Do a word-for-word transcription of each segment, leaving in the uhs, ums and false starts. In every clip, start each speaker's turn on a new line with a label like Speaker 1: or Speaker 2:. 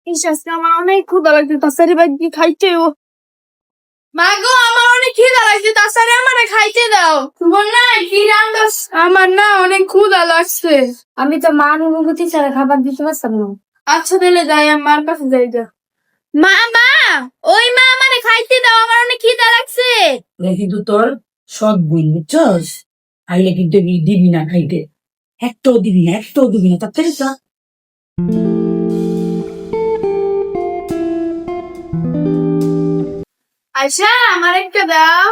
Speaker 1: ইস আজকে আমার অনেক ক্ষুধা লাগছে, তাড়াতাড়ি ভাই কি খাইতে ও। মা গো, আমার অনেক খিদা লাগছে, তাড়াতাড়ি আমারে খাইতে দাও। তোমার না কি রান্দাস? আমার না অনেক ক্ষুধা লাগছে।
Speaker 2: আমি তো মার অনুমতি ছাড়া খাবার দিতে পারতাম না।
Speaker 1: আচ্ছা তাহলে যাই, আমি মার কাছে যাই যা। মা মা, ওই মা আমারে খাইতে দাও, আমার অনেক খিদা লাগছে।
Speaker 3: এটা কিন্তু তোর সৎ বোন, বুঝছস? আইলে কিন্তু এগুলি দিবি না খাইতে, একটাও দিবি না, একটাও দিবি না, তাড়াতাড়ি যা।
Speaker 1: আচ্ছা আমার একটা দাও।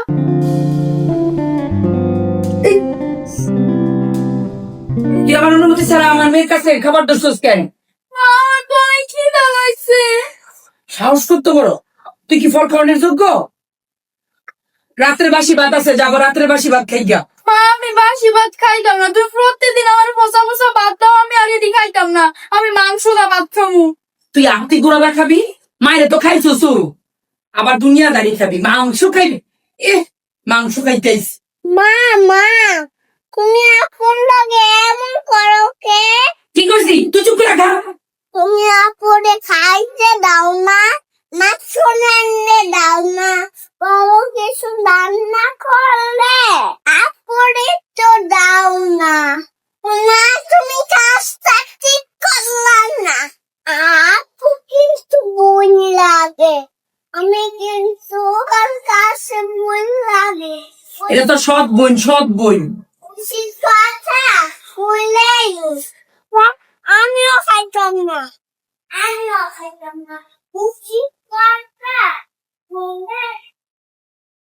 Speaker 3: তুই আমার অনুমতি ছাড়া আমার মেয়ের কাছে খাবার দোষস কেন?
Speaker 1: আমার তো অনেক খিদা লাগছে।
Speaker 3: সাহস করতে বড়, তুই কি ফল খাওয়ানোর যোগ্য? রাত্রে বাসি ভাত আছে, যাবো রাত্রে বাসি ভাত খাই গা।
Speaker 1: মা আমি বাসি ভাত খাইতাম না, তুই প্রত্যেকদিন আমার ফসা ফসা ভাত দাও, আমি আগে দি খাইতাম না। আমি মাংস দা ভাত খামু।
Speaker 3: তুই আত্মি গোড়া খাবি, মায়ের তো খাইছস, আবার দুনিয়াদারি খাবি, মাংস খাইবি। এ মাংস খাইতেইস।
Speaker 2: মা মা, তুমি আপন লাগে এমন করো কে?
Speaker 3: কি করছি? তুই চুপ করে খা।
Speaker 2: তুমি আপনে খাইতে দাও না, না শুনে দাও না, কোনো কিছু রান্না করলে আপনে তো দাও না। না তুমি কাজটা ঠিক করলাম না। আপু কিন্তু বই লাগে, আমি কিন্তু ওর কাছে বই লাগে।
Speaker 3: এটা তো সৎ বোন, সৎ বোন।
Speaker 2: ঠিক কথা বলে আমিও খাইতাম না, আমিও খাইতাম না। উচিত কথা বলে